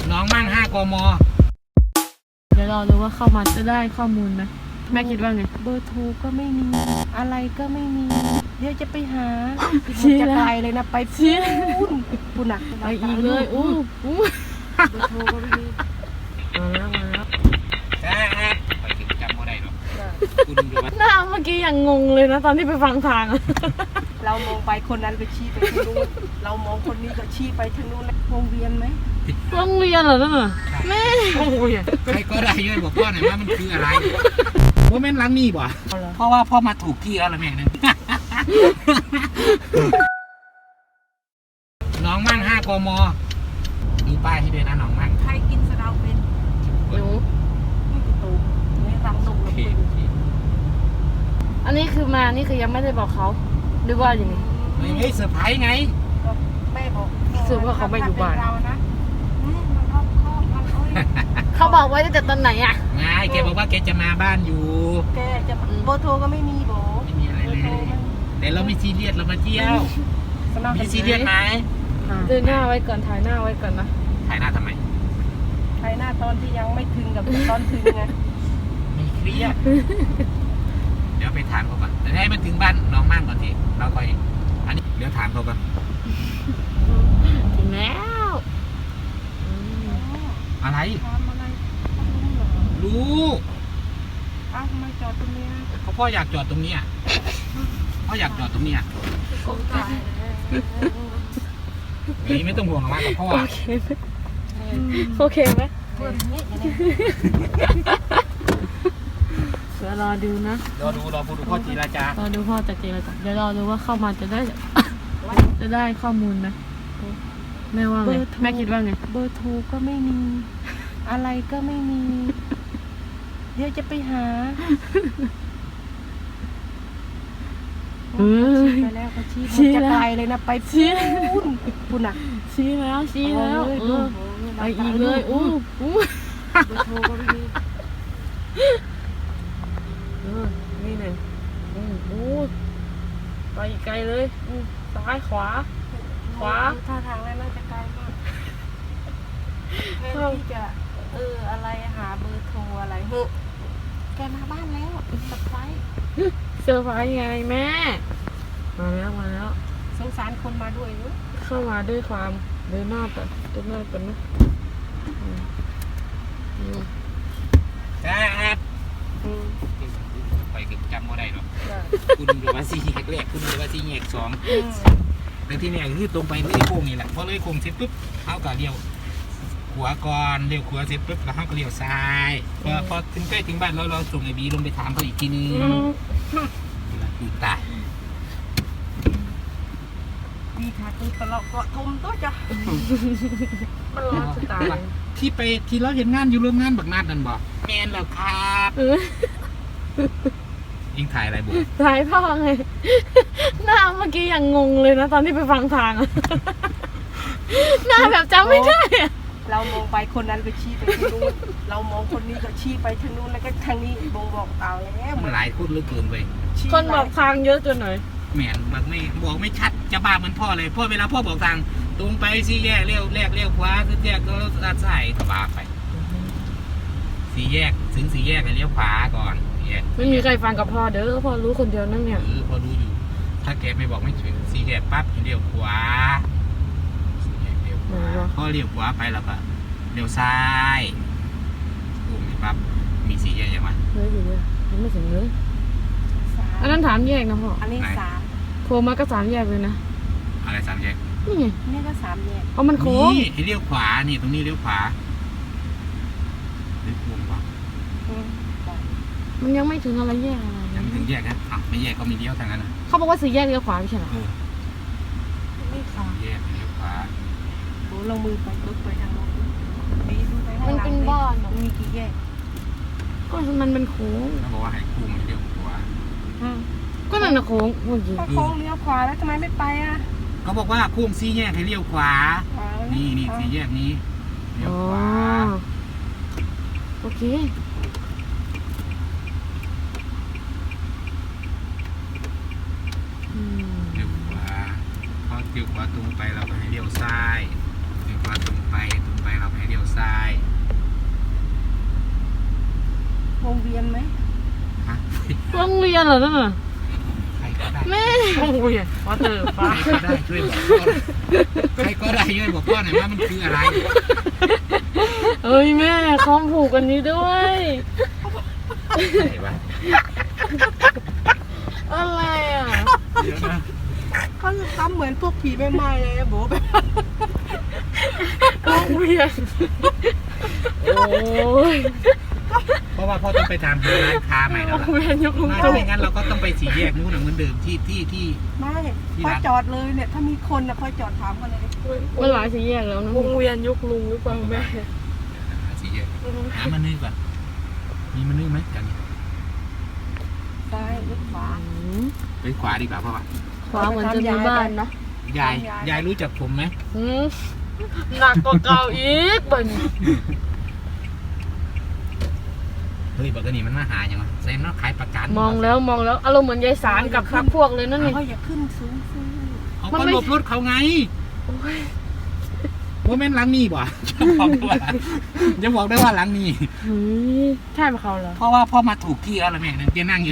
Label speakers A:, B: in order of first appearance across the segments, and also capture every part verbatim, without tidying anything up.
A: น้องมั่งห้ากม.
B: เดี๋ยวรอดูว่าเข้ามาจะได้ข้อมูลไหมแม่คิดว่าไง
C: เบอร์โทรก็ไม่มีอะไรก็ไม่มีเดี๋ยวจะไปหา
B: ชี้
C: จะ
B: แล้ว
C: ไกลเลยนะไป
B: ชี้
C: พูนพูนหนัก
B: ไปอีกเลยอู้อู้
C: เบอร์โทรก็ไม่มี
B: มาแล้วมาแล้ว
A: ใช่ไปถึงจำไม่ได้หรอกคุณดูว่า
B: หน้าเมื่อกี้ยังงงเลยนะตอนที่ไปฟังทางอะ
C: เรามองไปคนนั้นก็ชี้ไปทางนู้นเรามองคนนี้ก็ชี้ไปทางนู้นวงเวียนไหม
B: โรงเรียนเหรอนั่นน่ะแม่โอ้ย
A: ใครก็ได้ช่วยบอกพ่อหน่อยว่ามันคืออะไรโมเมนต์ล้างนี่บ่เพราะว่าพ่อมาถูกที่แล้วละแม่นึงน้องมั่งห้ากม.มีป้ายให้ด้วยนะน้องมั่ง
C: ใครกินสะเดาเป็น
B: หนู
C: นี่คือตูนี่รังนก
A: โอ
C: แล้ว
A: เค
C: เป็น
A: โอเค
B: อันนี้คือมานี่คือยังไม่ได้บอกเขาหรือว่าอย่างนี้
A: ไม่ไม่เซอร์ไพรส์ไง
C: ก็แม่บอก
B: รู้สึกว่าเขาไม่อยู่บ้าน
C: ถ้เป็เรานะอืมมันรอบคอบมันโอ้ย
B: เขาบอกไว้ตั้งแต่ตอนไหนอ่ะ
A: ไงแกบอกว่าแกจะมาบ้านอยู่
C: แกจะมาเบอร์โทรก็ไม่มีโบ
A: ไม่มีอะไรเลยแต่เราไม่ซีเรียสเรามาเที่ยว
C: สำหรับ
A: มีซีเรียสไหม
B: เดินหน้าไว้ก่อนถ่ายหน้าไว้ก่อนนะ
A: ถ่ายหน้าทำไม
C: ใครหน้าตอนที่ยังไม่ถึงกับตอนถึงไง
A: ไม่เครียดเดี๋ยวไปถามเขาก่อนแต่ให้มันถึงบ้านน้องมั่งก่อนทีเราค่อยอันนี้เดี๋ยวถามเขาก่อน
B: ถึงแล้วอืม
A: อะไร
C: ทำอะไรรู้เหรอ
A: รู้
C: อ้าวทำไมจอดตรงนี้นะ
A: เขาพ่ออยากจอดตรงนี้อ่ะพ่ออยากจอดตรงนี้อ่ะ
C: สงสาร
A: นี่ไม่ต้องห่วงหรอกว่ากับพ่อ
B: โอเคไหมโอเคไหม
C: เพื่อนนี่อย่างนี้
B: เดี๋ยวรอดูนะ
A: รอดูรอดูพ่อจีราจาร
B: อดูพ่อจะเจรจาเดี๋ยวรอดูว่าเข้ามาจะได้ จะได้ข้อมูลไหมแม่ว่าไงแม่คิดว่าไง
C: เบอร์โทรก็ไม่มี อะไรก็ไม่มี เดี๋ยวจะไปหา
B: เออ
C: ชี้ไปแล้วก็ชี้
B: ชี้
C: มันจะ
B: แล้ว
C: ไกลเลยนะไป
B: ชี้
C: พูนพูนหนัก
B: ชี้แล้วชี้แล้ว
C: เอา
B: เอ
C: เลย
B: อไปอีกเลยอู้อู้
C: เบอร์โทรก็ไม่มี
B: เออนี่เลยอู้อู้ไปอีกไกลเลยอู้ซ้ายขวา ขวา
C: ท่าทางแล้วน่าจะไกลมากแทนที่จะเอออะไรหาเบอร์โทรอะไรเฮ้ยแกมาบ้านแล้วสับไพรส์
B: เซอร์ไพรส์ไงแม่ มาแล้วมาแล้ว
C: สงสารคนมาด้วยเนอะ
B: เข้ามาด้วยความเดินหน้าก่อนเดินหน้าก่อนนะอืมอืม
A: ครับ
C: อืม
A: ไปถึงจำไม่ได้หรอก
C: จ้ะ
A: คุณดูว่าซีแยกแรกคุณดูว่าซีแยกสอง
C: อืม
A: แต่ที่เนี่ยคือตรงไปเลยโค้งนี่แหละพอเลยโค้งเสร็จปุ๊บเขาก็เลี้ยวขวาก่อนเลี้ยวขวาเสร็จปุ๊บแล้วเขาก็เลี้ยวซ้ายพอพอถึงใกล้ถึงบ้านเราเราส่งไอ้บีลงไปถามเขาอีกทีนึงคือตาย
C: ดีค่ะคือตลอดเกาะทมตัวจ้ะ
B: มันร้อนจะตาย
A: ที่ไปที่เราเห็นงานอยู่โรงงานบักนาดนั่นบอกแมนแล้วครับ
B: เออ
A: ยิงถ่ายอะไรบุ
B: ถ่ายพ่อไง หน้าเมื่อกี้ยังงงเลยนะตอนที่ไปฟังทางอะ หน้าแบบจำไม่ได้อะ
C: เรามองไปคนนั้นก็ชี้ไปทางนู้นเรามองคนนี้ก็ชี้ไปทางนู้นแล้วก็ทางนี้บงบอกเอาแล้ว
A: มันหลายคนเหลือเกินไป
C: ชี้
B: คนบอกทางเยอะจนหน่อย
A: แมนบอกไม่บอกไม่ชัดจะบ้าเหมือนพ่อเลยพ่อเวลาพ่อบอกทางตรงไปสี่แยกเลี้ยวแรกเลี้ยวขวาสี่แยกก็ด้านซ้ายก็ว่าไปสี่แยกถึงสี่แยกก็เลี้ยวขวาก่อนสี่แยก
B: ไม่มีใครฟังกับพ่อเด้อพ่อรู้คนเดียวนั่งเนี่ย
A: เออพอรู้อยู่ ถ้าแกไม่บอกไม่ถึงสี่แยกปั๊บเลี้ยวขวาสี่แยกเลี้ยวขวาพอเลี้ยวขวาไปแล้วก็เลี้ยวซ้ายโอ้ยปั๊บมีสี่แยกยังไง
B: เฮ้ยอยู่เลยยังไม่ถึงเลย
C: สาม
B: อันนั้นถามแยกนะพ่อ
C: อันนี้สาม
B: โค้งมาก็สามแยกเลยนะ
A: อะไรสามแยก
B: นี่ไง
C: นี่ก็สามแยก
B: เพราะมันโค้ง
A: นี่ให้เลี้ยวขวานี่ตรงนี้เลี้ยวขวาเลี้ยวขวา
C: อืมบอก
B: มันยังไม่ถึงอะไรแยกอะไร
A: ยังไม่ถึงแยกนะอ้าวไม่แยกก็มีเลี้ยวทางนั้นนะ
B: เขาบอกว่าสี่แยกเลี้ยวขวาไม่ใช่เหรอ
A: เออ
C: นี่ค่ะ
A: แยกเลี้ยวขวา
C: โหลงมือไปปึ๊บไปทางโน้นดีดูไปข้าง
B: มัน
C: หลัง
B: เป็นบ้านเหรอ
C: มันมีกี่แยก
B: ก็มันเป็นโค้ง
A: เขาบอกว่าให้คู่มันเลี้ยวขวา
C: อืม
B: ก็นั่นนะโค้งเมื่อกี้
C: ก็โค้งเลี้ยวขวาแล้วทำไมไม่ไปอ่ะ
A: เขาบอกว่าคู่สี่แยกให้เลี้ยวขวา
C: ขวา
A: นี่นี่สี่แยกนี้เลี้ยว
B: อ๋อ
A: ขวา
B: โอเค อืม
A: เลี้ยวขวาพอเลี้ยวขวาตรงไปเราก็ให้เลี้ยวซ้ายเลี้ยวขวาตรงไปตรงไปเราก็ให้เลี้ยวซ้
B: กันเหรอนั่นน่ะ
A: ใครก็ได้
B: แม่
C: โอ้ยว่าเตอร์ฟ้า
A: ใครก็ได้ช่วยบอกพ่อใครก็ได้ช่วยบอกพ่อหน่อยว่ามันคืออะไร
B: เอ้ยแม่เขาผูกกันนี้ด้วย
A: อะไรวะ
B: อะไรอ่ะ
A: เดี๋ยวนะ
C: เขาจะทำเหมือนพวกผีแม่ไม้เลยโบแบบ
B: วงเวียนโอ้ย
A: เพราะว่าพ่อต้องไปทำร้านค้าใหม่
B: ว
A: แล้ว
B: ง
A: ล่ะ
B: เวียนยกมือ
A: ถ้าไม่งั้นเราก็ต้องไปสี่แยกนู้นเหมือนเดิมที่ที่ที่
C: ไม่พอจอดเลยเนี่ยถ้ามีคนนะพอจอดถามกันเลย
B: มันหลายสีแยกแล้วนะ
C: วงเวียนยุคลุงหรือเปล่าแม่
A: สี่แยกหามันนี่ก่อนมีมันนี่ไหมกัน
C: ซ้ายหรือขวา
B: อืม
A: ไปขวาดีกว่าพ่อ
B: ขวาเหมือนจะมีบ้านเนาะ
A: ยายยายรู้จักผมไหม
B: อืมหนักกว่าเก่าอีกเบิ่น
A: เฮ้ยบอกกันนี่มันมาหาอย่างไรเซนเนาะขายประกัน
B: มองแล้วมองแล้วอารมณ์เหมือนยายสารกับพักพวกเลยนั่นนี่
C: เขาอย่าขึ้นสูงสูง
A: เขาก็หลบรถเขาไงว่าแม่นหลังนี่บ่จะบอกได้ว่าจะบอกได้ว่าหลังนี่
B: เฮ้ยใช่ไหมเขาเหรอ
A: เพราะว่าพ่อมาถูกที่แล้วล่ะแม่นั่นแกนั่งอยู่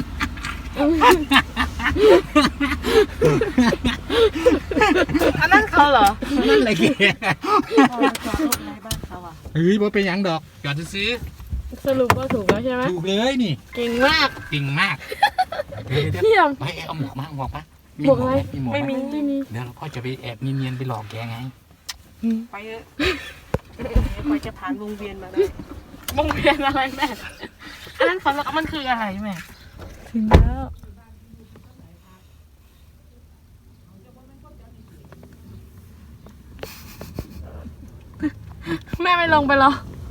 B: อันนั้นเขาเหรอ
A: นั่นแหละแก
C: พ่อมาจอดรถในบ้านเขาอ่ะ
A: เฮ้ยบ่เป็นหยังดอกจอดซื้อ
B: สรุปว่าถูกแล้วใช่ไหม
A: ถูกเลยนี่
B: เก่งมาก
A: จริงมากเดี๋ยวเดี๋ยว
B: เยี่ยม
A: ไปเอาหมวกมาหมวกมา
B: หมวกอะไร
A: มีหมวก
B: ไม่มีไม่มี
A: เดี๋ยวพ่อจะไปแอบเนียนๆไปหลอกแกไง
C: ไปเถอะไปจะผ่านวงเวียนมาได้
B: วงเวียนอะไรแม่อันนั้นเขาแล้วมันคืออะไรแม่ถึงแล้วแม่ไม่ลงไปหรอ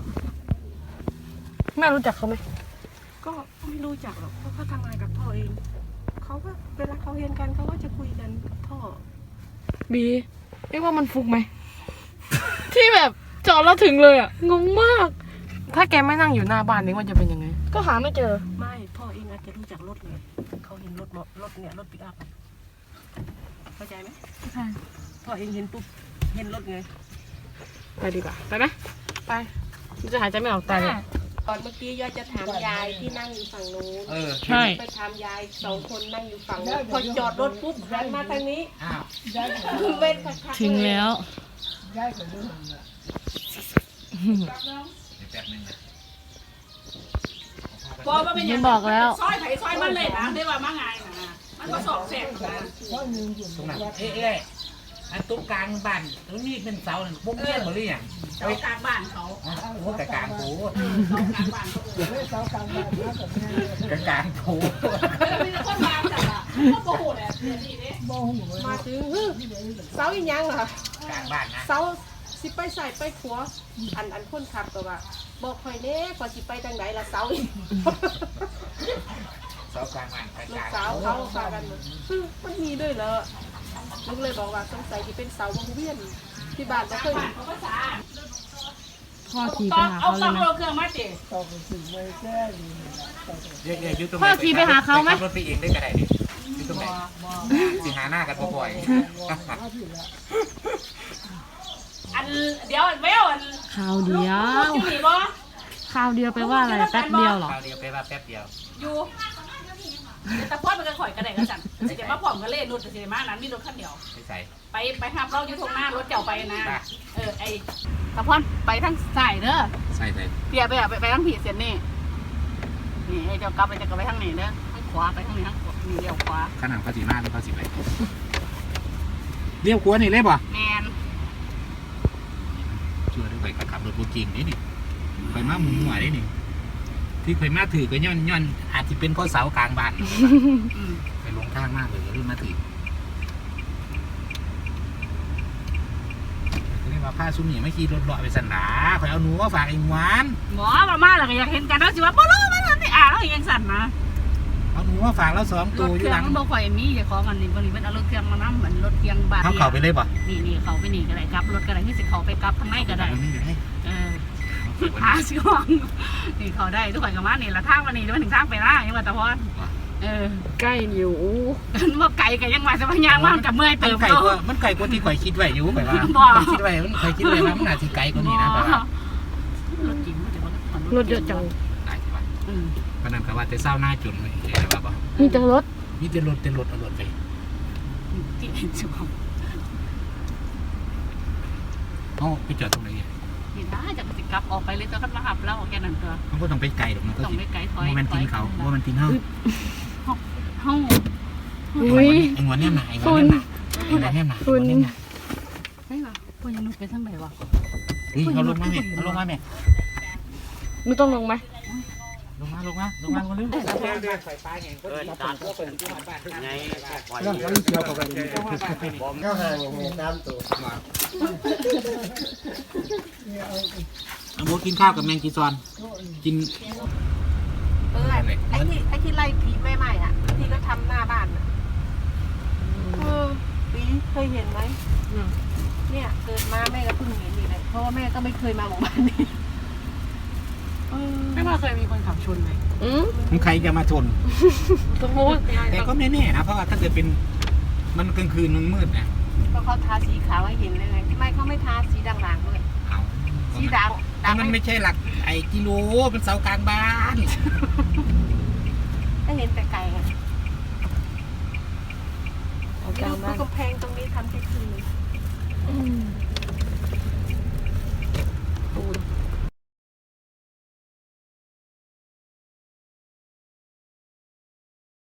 B: แม่รู้จักเขาไหม
C: ก็ไม่รู้จักหรอกเพราะเขาทำงานกับพ่อเองเขาก็เวลาเขาเรียนกันเขาก็จะคุยกันกับพ่อ
B: บีเรียกว่ามันฟุกไหม ที่แบบจอดแล้วถึงเลยอ่ะงงมาก
C: ถ้าแกไม่นั่งอยู่หน้าบ้านนี่มันจะเป็นยังไง
B: ก็หาไม่เจอ
C: ไม่พ่อเองอาจจะรู้จักรถเลยเขาเห็นรถมอรถเนี่ยรถปิกอัพอะเข้าใจไหม
B: ใช่
C: พ่อเองเห็นปุ๊บเห็นรถไง
B: ไปดีกว่าไปไหมไปจะหายใจไม่ออกตายเลย
C: ก่อนเมื่อกี้ยายจะถามยายที่นั่งอยู่ฝั่งนู้น
A: เออ
B: ใช่
C: ไปถามยายสองคนนั่งอยู่ฝั่งนู้นพอจอดรถปุ๊บหันมาทางนี้
A: อ้าว
C: เว้นคักๆ
B: ถึงแล้ว
A: เดี๋ยวแป๊บนึงนะ
D: บอกว่าเป็น
B: ยั
D: ยัง ง
B: บอกแล้ว
D: ซอยไผ่ซอยมันเลยนะได้ว่ามาไงนะมันก็สอบเสร็จนะ
A: ตรงนั้นเอ๊ะเอ๊ะอันตรงกลางบ้านตรงนี้เป็นเสาหนึ่งพวกเบี้ยหมดเลยอย่าง
D: เสากลางบ้านเขา
A: โอ้โหกะกลางโถ
D: เสากลางบ้านเขาเออก
A: ะกลางโถ
D: แล้วมีคนมาจัดอ่ะก็โกหกแหละเนี่ยนี่เนี่ย
C: มาถึงฮึเสาอีกยังเหรอก
A: ลางบ้านนะ
C: เสาสิไปใส่ไปขัวอันอันคนขับก็ว่าบอกคอยเน่พอสิไปทางไหนละเสาอีก
A: เสากลางบ้านกลาง
C: ลู
A: ก
C: ก
A: ลาง
C: สาวเขาพากันซึ่งมันมีด้วยเหรอลูกเลยบอกว่าสงสัยที่เป็นเสาวงเวียนที่บ้านก็เคย
D: เขาก็สา
B: พ่อขี่ไป
D: ต้อง
B: หา
D: เอา
B: เขาเล
D: ต้อย ง
B: นะ
D: เอาเครื่องมาเจ๊
A: เรียกเรียกอยู่ตรง
B: พ่อขี่ไปหาเขาไหม
A: ขับรถไปเองได้ก็ได้ดิอยู่ตรงไหนสิหาหน้ากันบ่อย
D: อันเดี๋ยวแววอัน
B: ข่าวเดียว
D: ลูกอยู่นี่บ่
B: ข่าวเดียวไปว่าอะไรแป๊บเดียวเหรอ
A: คราวเดียวไปว่าแป๊บเดียว
D: อยู่แต่พ่อเป็นกันข่อยกระไดกันจันเดี๋ยวมาพร้อมกันเลยรถจะเสียมานั้นมีรถคันเดียว
A: ไปใส่
D: ไปไปหับเราอยู่ตรงหน้ารถเจ้าไปนะเออไอ้ตะพอนไปทางสายเด้อ
A: ใส่ใส่
D: เปียไปอ่ะไปไปทางผีเสียนนี่นี่ไอ้เจ้ากลับไปจะกลับไปทางนี้เด้อทางขวาไปทางนี้ทางขวานี่เลี้ยวขวา
A: ขนาดเขาสีมาหรือเขาสีไปเลี้ยวขวานี่เลยป่ะ
D: แมน
A: ชัวร์ด้วยไปขับรถบูจิงนี่นี่ไปมาหมุนหัวนี่นี่ที่เคยมาถือก็ย้อนย้อนอาจจะเป็นข้อเสากลางบ้านไปลงทางมากเลยเรื่องมาถือเรียกว่าผ้าซุ้มหนีไม่ขี่รถเลาะไปสันหนาคอยเอาหนูมาฝากไอ้หวาน
D: หมอมามาแล้วก็อยากเห็นกันแล้วสิว่าบ่รู้มันนี่อ่าแล้วยังสั่นนะ
A: เอาหนูมาฝากแล้วสอง
D: ร
A: ตัว
D: ถ
A: อ
D: เค
A: ยู่
D: รื่อ
A: หลั
D: ง
A: ง
D: มันบ่ค่อยมีอย่าขอกันนี่บ่นี่เป็นเอารถเครื่องมานำเหมือนรถเครื่องบาท
A: เขาเข่าไปเลยป่ะ
D: นี่นี่เขาไปนี่ก็ได้กลับรถก็ได้ที่สิเขาไปกลับทางในก็ได้
A: มันไม่ได้
D: เอออาสิหวังนี่เขาได้ทุกคนก็มานี่ละทางวันนี้มันถึงทางไปล่ายังว่าตะพอนเออ
B: ใกล้อยู่
D: มันบ่ไกลกันยังว่าจะพยางว่ามันกับเมื่อย
A: มั
D: เติ
A: น
D: ม
A: ไก่
D: โต
A: กว่ามันไก่กว่าที่ข่อยคิดไว้อยู่ไปว่า
D: บ่
A: ข่อยคิดไว้มันข่อยคิดไว้ว่ามันอาจจะไกลกว่านี้นะแบบว่าร
D: ถจริงมันจะบ่
B: รถเยอะจัง
A: ได้ใช่ปะ
D: อืม
A: ปนันกับว่าแต่เศร้าหน้าจุนเลยอะไรบ้าบ่
B: มีแต่รถ
A: มีแต่รถแต่รถเอารถไป
D: ที่เห็นจุก
A: เขาไปจอดตรงไหน
D: นี่ได้จากสิกลับออกไปเลยตัวกันมาหับเราแค่นั้นตัว
A: เขาก็ต้องไปไกลหรอกนะก็
D: ต้อง
A: สิ
D: ไปไกลถอย
A: ว่ามันตีนเขาว่ามันตีนเฮา
D: ห้อง
B: อุ้ย
A: ไอ้งวนเนี่ยหนาไอ้งวนเนี่ยหนาไอ้งวนเนี่ยหนาไอ้งวนเนี่ยหนา
D: ใช่ป่ะพวกยังนุกไปทางไหนวะ
A: เฮ้ยเขาลงมาแม่เขาลงมาแม่
B: หนูต้องลงไหม
A: ลงมาลงมาลงมาคนนึงเออตามพวกคนที่มาบ้านไง
E: เรื่องของเกี่ยวกับอะไรผมก็ห่างในน้ำตัว
A: เอาโมกินข้าวกับแมงกีซอนกิน
C: เออไอ้ที่ไอ้ที่ไล่ผีใหม่ๆอ่ะที่ก็ทำหน้าบ้านอ่ะเออปีเคยเห็นไหมเนี่ยเกิดมาแม่ก็เพิ่งเห็นนี่เลยเพราะว่าแม่ก็ไม่เคยมาหมู่บ้านนี้
D: ไม่ว่าเคยมีคนขับชนไหม
B: อืม
A: มึงใครจะมาชน
B: สมมุติ
A: แต่ก็ไม่แน่นะเพราะว่าถ้าเกิดเป็นมันกลางคืนมันมืดนะ
C: เพราะเขาทาสีขาวให้เห็นเลยไงทำไมเขาไม่ทาสีด่างๆด้วย
A: เอา
C: สีดำ
A: แต่มันไม่ใช่หลักไอ้กิโลเป็นเสากลางบ้าน
C: ให้เห็นแต่ไกลไง
B: เอาก
C: ดู
B: ลางบ้าน
C: กำแพงตรงนี้ทำแค่คืน